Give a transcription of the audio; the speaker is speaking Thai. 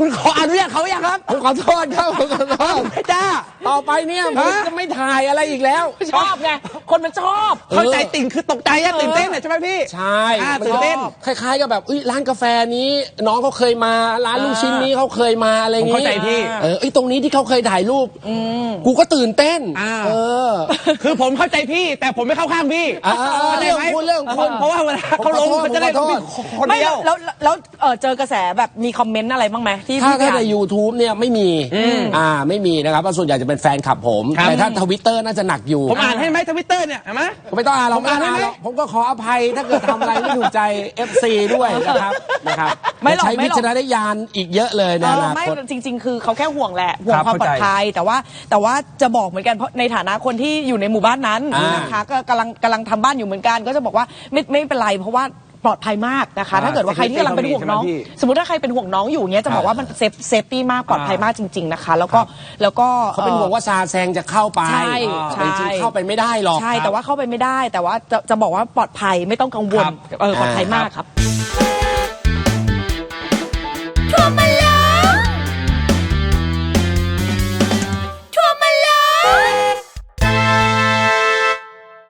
คุณขออนุญาตเขายังครับผมขอโทษครับผมขอโทษไม่จ้าต่อไปเนี่ยผมจะไม่ถ่ายอะไรอีกแล้วชอบไงคนมันชอบเข้าใจติ่งคือตกใจอะตื่นเต้นใช่ไหมพี่ใช่ตื่นเต้นคล้ายๆกับแบบร้านกาแฟนี้น้องเขาเคยมาร้านลูกชิ้นนี้เขาเคยมาอะไรอย่างงี้เข้าใจพี่ตรงนี้ที่เขาเคยถ่ายรูปกูก็ตื่นเต้นคือผมเข้าใจพี่แต่ผมไม่เข้าข้างพี่เรื่องคุณเพราะว่าเวลาเขาลงเขาจะได้ต้องมีคนไม่เดียวแล้วเจอกระแสแบบมีคอมเมนต์อะไรบ้างไหมที่ถ้าพี่ใน YouTube เนี่ยไม่มีไม่มีนะครับเพราะส่วนใหญ่จะเป็นแฟนคลับผมแต่ถ้าทวิตเตอร์น่าจะหนักอยู่ผมอ่านให้ไหมทวิตเตอร์เนี่ยเห็นไหมไม่ต้องอ่านเราผมอ่านให้ไหมผมก็ขออภัยถ้าเกิดทำอะไรไม่ถูกใจ FC ด้วยนะครับใช้วิจารณญาณอีกเยอะเลยนะไม่จริงๆคือเขาแค่ห่วงแหละห่วงความปลอดภัยแต่ว่าจะบอกเหมือนกันเพราะในฐานะคนที่อยู่ในหมู่บ้านนั้นนะคะก็กำลังทำบ้านอยู่เหมือนกันก็จะบอกว่าไม่เป็นไรเพราะว่าปลอดภัยมากนะคะถ้าเกิดว่าใครที่กำลังเป็นห่วงน้องสมมติถ้าใใครเป็นห่วงน้องอยู่เนี้ยจะบอกว่ามันเซฟตี้มากปลอดภัยมากจริงๆนะคะแล้วก็เขาเป็นห่วงว่าซาแซงจะเข้าไปจริงๆเข้าไปไม่ได้หรอกใช่แต่ว่าเข้าไปไม่ได้แต่ว่าจะบอกว่าปลอดภัยไม่ต้องกังวลปลอดภัยมากครับ